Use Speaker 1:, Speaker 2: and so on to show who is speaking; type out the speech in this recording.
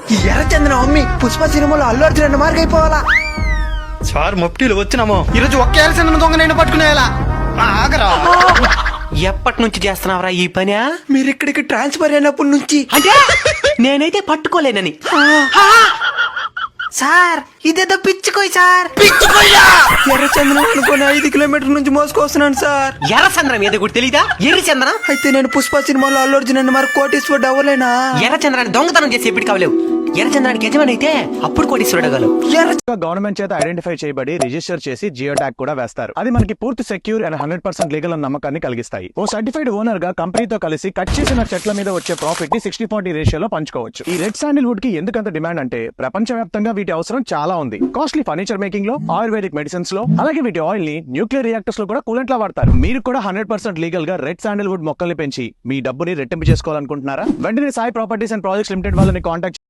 Speaker 1: ఈ ఎర్రచందనం అమ్మి పుష్ప సినిమాలో అల్లు అర్జున్ అన్న మార్గ అయిపోవాలా.
Speaker 2: సార్ మొప్టీలు వచ్చినామో
Speaker 3: ఈరోజు ఒక్క ఎర్రచందనం దొంగ నేను పట్టుకునేలా ఆగరా.
Speaker 4: ఎప్పటి నుంచి చేస్తున్నావురా ఈ పని?
Speaker 1: మీరు ఇక్కడికి ట్రాన్స్ఫర్ అయినప్పటి నుంచి.
Speaker 4: అంటే నేనైతే పట్టుకోలేనని.
Speaker 1: సార్ ఇదేదో పిచ్చుకోయి సార్. ఎర్రచందనం అనుకుని 5 కిలోమీటర్ల నుంచి మోసుకొస్తున్నాను సార్.
Speaker 4: ఎర్రచంద్రం ఏదో కూడా తెలీదా? ఎర్రచంద్రం
Speaker 1: అయితే నేను పుష్ప సినిమాలో అల్లు అర్జున్ అన్న మరి కోటీశ్వరుడు అవ్వలేనా?
Speaker 4: ఎర్రచంద్రాన్ని దొంగతనం చేసి ఎప్పటికి కావలేవు. ఎర్రచంద్రానికి యజమాని అయితే అప్పుడు కోటీశ్వరుడు అవ్వగలవు.
Speaker 5: గవర్నమెంట్ చేత ఐడెంటిఫై చేయబడి రిజిస్టర్ చేసి జియో ట్యాగ్ కూడా వేస్తారు. అది మనకి పూర్తి సెక్యూర్ అండ్ 100% లీగల్ అన్న నమ్మకాన్ని కలిగిస్తాయి. ఓ సర్టిఫైడ్ ఓనర్ గా కంపెనీతో కలిసి కట్ చేసిన చెట్ల మీద వచ్చే ప్రాఫిట్ ని 60-40 రేషియోలో పంచుకోవచ్చు. ఈ రెడ్ శాండిల్వుడ్ కి ఎందుకంత డిమాండ్ అంటే ప్రపంచవ్యాప్తంగా వీటి అవసరం చాలా ఉంది. కాస్ట్లీ ఫర్నిచర్ మేకింగ్ లో, ఆయుర్వేదిక్ మెడిసిన్స్ లో, అలాగే వీటి ఆయిల్ ని న్యూక్లియర్ రియాక్టర్స్ లో కూడా కూలెంట్ లా వాడతారు. మీరు కూడా 100% లీగల్ గా రెడ్ శాండిల్వుడ్ మొక్కల్ని పెంచి మీ డబ్బుని రెట్టింపు చేసుకోవాలనుకుంటున్నారా? వెంటనే Sai properties and projects limited వాళ్ళని కాంటాక్ట్